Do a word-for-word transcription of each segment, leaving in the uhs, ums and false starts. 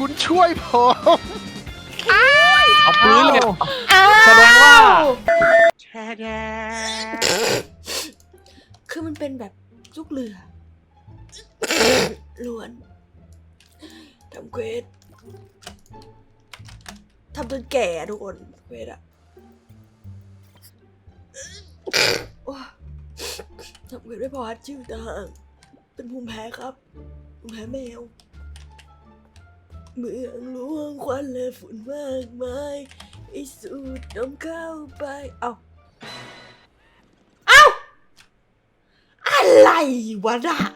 คุณช่วยผมเอาปืนเลยแสดงว่าแช่แดคือมันเป็นแบบลูกเรือล้วนทำเควสทำจนแก่ทุกคนเควสอะโอ้ทำเควสไม่พอชื่อต่างเป็นภูมิแพ้ครับภูมิแพ้แมวเมืองหลวงควันและฝุ่นมากมายไอ้สูดดมเข้าไปเอ้าเอ้าอะไรวะน่ะ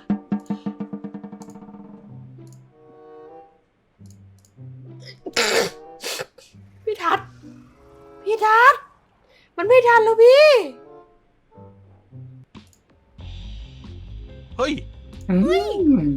พี่ทัศน์พี่ทัศน์มันไม่ทันแล้วพี่เฮ้ยอืม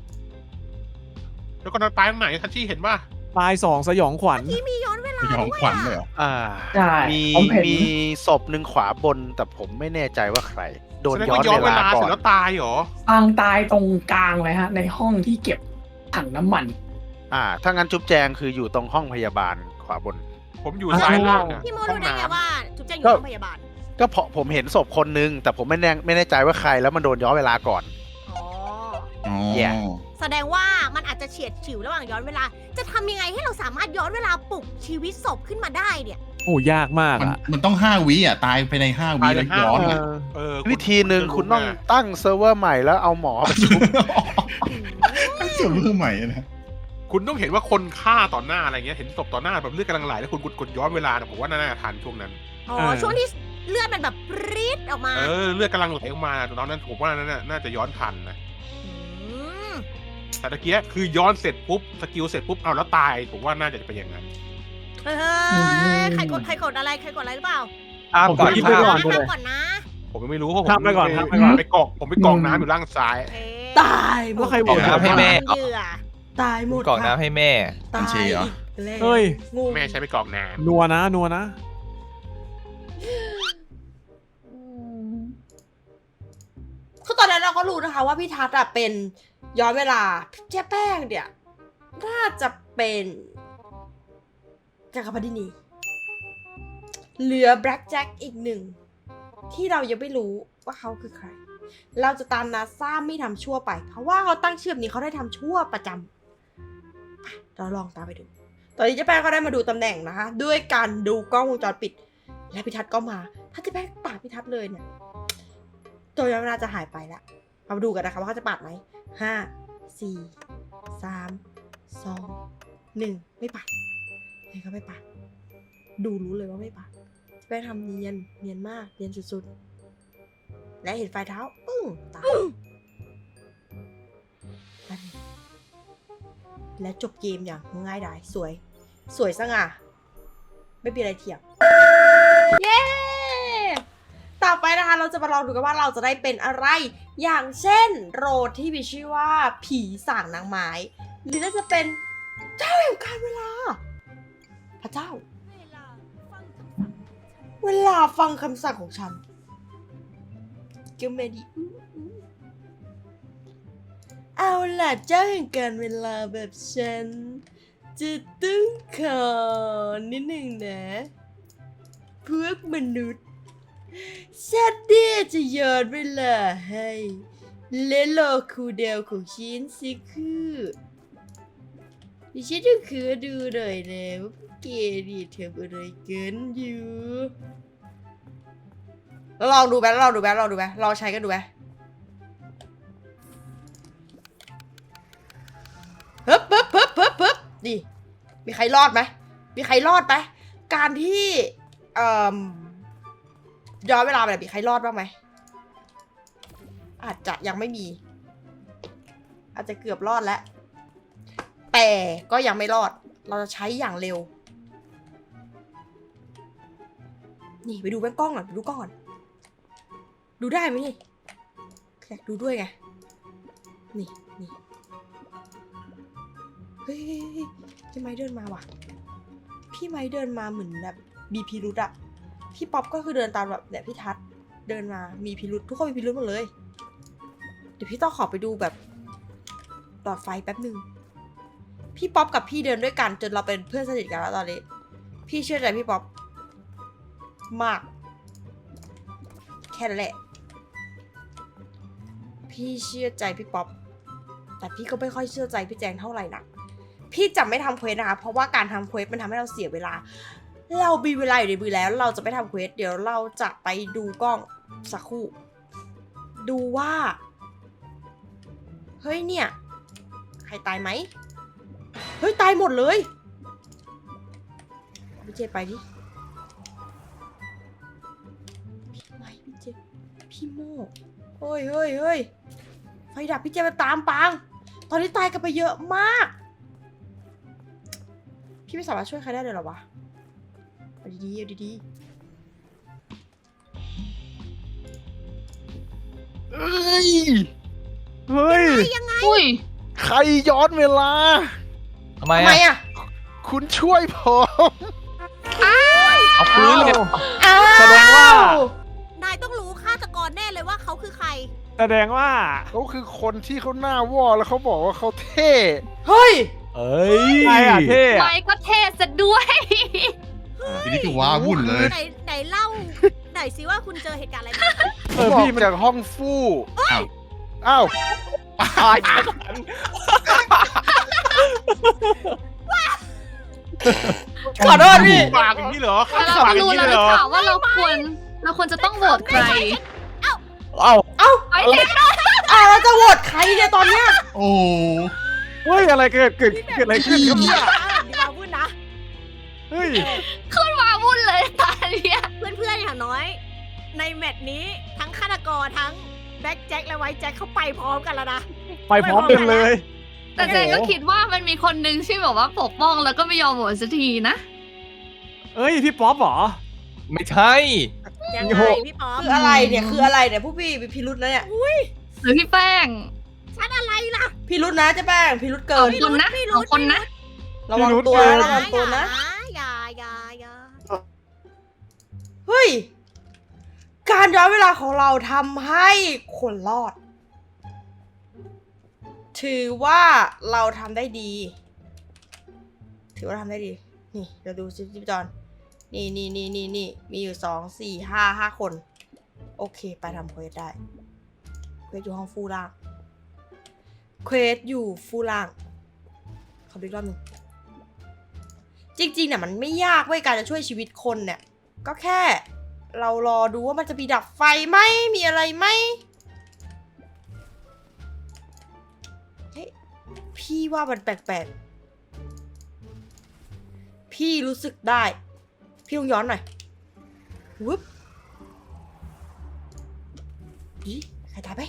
แล้วก็นอนตายตรงไหนทัชชี่เห็นป่ะตายสองสยองขวัญที่มีย้อนเวลาสยองขวัญเลยเหรออ่าใช่มีผมเห็นมีศพหนึ่งขวาบน แต่ผมไม่แน่ใจว่าใคร โดนแสดงย้อว่าน ย้อนเวเวลาลาก่เสอร็จนแล้วตายเหรอปางตายตรงกลางเลยฮะ ในห้องที่เก็บถังน้ำมันอ่า ถ้างั้นจุ๊บแจงคืออยู่ตรงห้องพยาบาลขวาบนผมอยู่ซ้ายล่างอะพี่โมห้อรู้งได้ไงน้ำว่าจุ๊บแจงอยู่ก็โรงพยาบาลก็เพราะผมเห็นศพคนนึง แต่ผมไม่แน่ไม่แน่ใจว่าใครแล้วมันโดนย้อนเวลาก่อนอ๋ออ๋อแย่แสดงว่ามันอาจจะเฉียดฉิวระหว่างย้อนเวลา จะทำยังไงให้เราสามารถย้อนเวลาปลุกชีวิตศพขึ้นมาได้เนี่ยโอ้ยากมากมันอ่ะมันต้องห้าวิอ่ะ ตายไปในห้าวิตายในแล้วห้าย้อนเออะอเออวิธีหนึ่งคุณต้องจะรู้ไตั้งเซิร์ฟเวอร์ใหม่แล้วเอาหมอไปชุบตั้งเสือเพื่อใหม่นะคุณต้องเห็นว่าคนฆ่าต่อหน้าอะไรเงี้ย เห็นศพต่อหน้าแบบเลือดกำลังไหลแล้วคุณกดกดย้อนเวลาเนี่ยผมว่าน่าจะทันช่วงนั้นอ๋อเออช่วงที่เลือดมันแบบปรี๊ดออกมาเออเลือดกำลังไหลออกมาตอนนั้นผมว่านั่นน่ะน่าจะย้อนทันนะมแต่ตะเกียคือย้อนเสร็จปุ๊บสกิลเสร็จปุ๊บเอาแล้วตายผมว่าน่าจะเป็นอย่างนั้นเฮ้ยใครกดใครกดอะไรใครกดอะไรหรือเปล่าอ้ามผมก่อนคิดข้าไปก่มอนห้ามก่อนนะผมยังไม่รู้เพราะผมข้ามไปก่อนม่ข้ามไปก่อนไปกอกผมไปกอกน้ำอยู่ล่างซ้ายโอเคตายหมแล้วดใครบอกน้ำให้แม่เหยื่อตายหมดกรอกค่ะน้ำให้แม่ตายบัญชีเหรออีกแล้วเฮ้ยงงแม่ใช้ไปกอกน้นัวนะนัวนะคือตอนนั้นเราก็รู้นะคะว่าพี่ทัศน์อะเป็นย้อนเวลาเจ๊แป้งเนี่ยน่าจะเป็นจักรพรรดินีเหลือแบล็กแจ็คอีกหนึ่งที่เรายังไม่รู้ว่าเขาคือใคร เราจะตามนาซาไม่ทำชั่วไป เพราะว่าเขาตั้งชื่อแบบนี้เขาได้ทำชั่วประจำไปเราลองตามไปดู ตอนนี้เจ๊แป้งก็ได้มาดูตำแหน่งนะคะ ด้วยการดูกล้องวงจรปิด และพิทัศน์ก็มา ถ้าเจ๊แป้งปาดพิทัศน์เลยเนี่ยตัวย้อนเวลาจะหายไปละมาดูกันนะคะว่าเขาจะปาดไหมห้าสี่สามสองหนึ่งไม่ปาดไม่ก็ไม่ปาดดูรู้เลยว่าไม่ปาดเจ๊แป้งทำเนียนเนียนมากเนียนสุดๆและเห็นไฟเท้าปึ้งตายนั่นเองและจบเกมอย่างง่ายดายสวย สวยสง่าไม่มีอะไรเทียบ เย้ ต่อไปนะคะเราจะมาลองดูกันว่าเราจะได้เป็นอะไร อย่างเช่นโรดที่มีชื่อว่าผีสางนางไม้ หรือน่าจะเป็นเจ้าแห่งการเวลา พระเจ้า เวลาฟังคำสั่งของฉันเกี่ยวเมดีอื้ออื้อเอาล่ะเจ้าแห่งการเวลาแบบฉัน จะต้องขอนิดหนึ่งนะพวกมนุษย์ฉันเนี่ยจะย้อนเวลาให้และรอครูเดลของฉันสิคือดิฉันจะคือดูหน่อยนะว่าพวกแกนี่ทำอะไรกันอยู่แล้วลองดูไหมลองดูไหมลองดูไหมลองใช้กันดูไหมฮึบฮึบฮึบฮึบฮึบดิมีใครรอดไหมมีใครรอดไหมการที่เอ่อย้อนเวลาไปแบบมีใครรอดบ้างไหมอาจจะยังไม่มี อาจจะเกือบรอดแล้วแต่ก็ยังไม่รอดเราจะใช้อย่างเร็วนี่ไปดูแว่นกล้องก่อนไปดูกล้องก่อนดูได้ไหมนี่อยากดูด้วยไงนี่นี่เฮ้ยพี่ไม้เดินมาว่ะพี่ไม้เดินมาเหมือนแบบมีพิรุธอะพี่ป๊อปก็คือเดินตามแบบเนี่ยพี่ทัศน์เดินมามีพิรุธทุกคนมีพิรุธหมดเลยเดี๋ยวพี่ต้องขอไปดูแบบหลอดไฟแป๊บหนึ่งพี่ป๊อปกับพี่เดินด้วยกันจนเราเป็นเพื่อนสนิทกันแล้วตอนนี้ พี่เชื่อใจพี่ป๊อปมาก แค่นั้นแหละ พี่เชื่อใจพี่ป๊อปแต่พี่ก็ไม่ค่อยเชื่อใจพี่แจงเท่าไหร่นักพี่จะไม่ทำเควสนะคะเพราะว่าการทำเควสมันทำให้เราเสียเวลา เรามีเวลาอยู่ในมือแล้ว เราจะไม่ทำเควสเดี๋ยวเราจะไปดูกล้องสักครู่ ดูว่า เฮ้ยเนี่ย ใครตายไหม เฮ้ยตายหมดเลยพี่เจไปดิ พี่ไม่พี่เจพี่โม่เฮ้ยเฮ้ยเฮ้ยไฟดับพี่เจมาตามปัง ตอนนี้ตายกันไปเยอะมาก พี่ไม่สามารถช่วยใครได้เลยเหรอวะเอาดีๆเอาดีเอ้ยเฮ้ยอุ้ยใครย้อนเวลาทำไมๆทำไมอ่ะอะคุณช่วยผมเอาปืนเลยอ้าวแสดงว่านายต้องรู้ฆาตกรแน่เลยว่าเขาคือใครแสดงว่าเขาคือคนที่เขาหน้าวอแล้วเขาบอกว่าเขาเท่เฮ้ยเอ้ยใครอ่ะเท่อะไม้ก็เทศซะด้วยทีนี้คือว้าวุ่นเลยไหนไหนเล่า ไหนสิว่าคุณเจอเหตุการณ์อะไรมาเออบอกพี่มันจากห้องฟู่อ้าวอ้าวตายขอโทษพี่ปากอย่างนี้เหรอแล้วเราปากก็อย่างรู้นี้แล้วเลยหเหรืรออเปล่าว่าเราควร เราควรจะต้องโหวตใครเอ้าไอ้เจ๊อ้าวเราจะโหวตใครเนี่ยตอนเนี้ยโอ้เฮ้ยอะไรเกิดเกิดเกิดอะไรขึ้นครับเนี่ยดีมาพูดนะเฮ้ยขึ้นมาวุ่นเลยตาเนี่ยเพื่อนๆอย่างน้อย ในแมตช์นี้ทั้งฆาตกรทั้งแบ็คแจ็คและไวท์แจ็คเขาไปพร้อมกันแล้วนะไปพร้อมกันเลยแต่เจนก็คิดว่ามันมีคนนึงที่แบบว่าปกป้องแล้วก็ไม่ยอมโหวตสักทีนะเอ้ยพี่ป๊อปเหรอไม่ใช่ยังไงพี่ป๊อปคืออะไรเนี่ยคืออะไรเนี่ยผู้พี่มีพิรุษนะเนี่ยหรือพี่แป้งฉันอะไรล่ะพิรุษนะเจ๊แป้งพิรุษเกิสอน งคนนะสองคนนะระวังตัวนะระวังตัวนะอย่าอย่าอย่าเฮ้ย การย้อนเวลาของเราทำให้คนรอด ถือว่าเราทำได้ดี ถือว่าทำได้ดี นี่เราดูซิจิบจอนนี่นี่นี่นี่นี่มีอยู่สองสี่ห้าห้าคน โอเค ไปทำเควสได้ เควสอยู่ห้องฟูล่าง เควสอยู่ฟูล่างขอดูอีกรอบหนึงจริงๆเนี่ยมันไม่ยากเว้ยการจะช่วยชีวิตคนเนี่ย ก็แค่ เรารอดูว่ามันจะมีดับไฟไหมมีอะไรไหมเฮ้ยพี่ว่ามันแปลกๆ พี่รู้สึกได้ พี่ลองย้อนหน่อยวุ๊บดิใครตายไป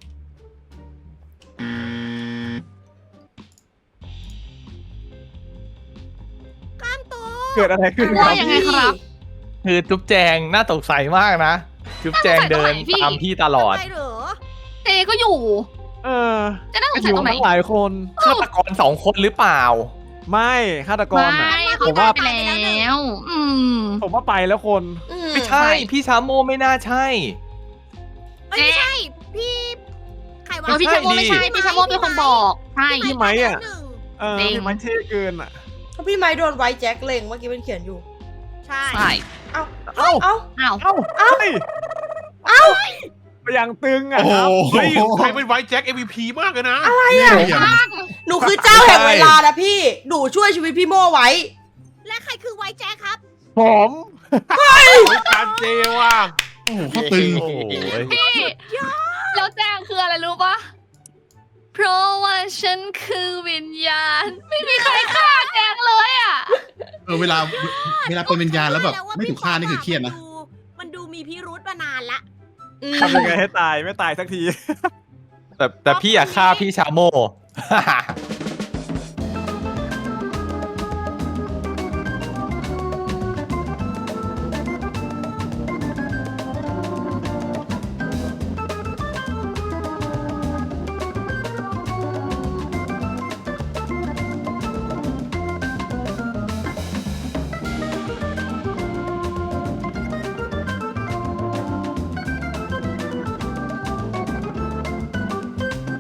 ก้ามตัวเกิดอะไรขึ้นคว่ารับยังไงครับคือจุ๊บแจงน่าสงสัยมากนะ จุ๊บแจงเดินน่าสงสัยตรงไหนพี่ตามพี่ตลอดไปเหรอเจก็อยู่เออจะน่าสก็งอสัยยู่ตรงไหนทั้งหลายคนฆาตกรสองคนหรือเปล่าไม่ฆาตกรไม่อ่ะเขาผมตาว่ายไปแล้ว อืมผมว่าไปแล้วคนอืไม่ใช่ พี่ชาโมไม่น่าใช่เอ้ยไม่ใช่ พี่ ใครวะเออพี่ชาโมไม่ใช่ พี่ชาโมเป็นคนบอก ใช่พี่ไม้อะหนึ่งเออจริงพี่ไม้เท่เกินอ่ะเพราะพี่ไม้โดนไว้แจ็คเล็งเมื่อกี้มันเขียนอยู่ใช่ใช่เอ้าเอ้าเอ้าอ้าวเอ้าเอ้าเฮ้ยเอ้าไปอย่างตึงอ่ะโอ้ครับเฮ้ยใครเป็นไวท์แจ็ค เอ็ม วี พี มากเลยนะอะไรเหี้อ่ะยหนูคือเจ้าแห่งเวลานะพี่ หนูช่วยชีวิตพี่โม่ไว้และใครคือไวท์แจ็คครับผมการเจว่ะโอ้โหเขาตึงโอ้โหพี่แล้วแจ้งคืออะไรรู้ปะเพราะว่าฉันคือวิญญาณ ไม่มีใครฆ่าแจงเลยอ่ะเออเวลาเวลาเป็นวิญญาณแล้วแบบไม่ถูกฆ่านี่คือเครียดนะมันดูมีพิรุธมานานละอืมทำยังไงให้ตายไม่ตายสักทีแต่แต่พี่อยากฆ่าพี่ชาโม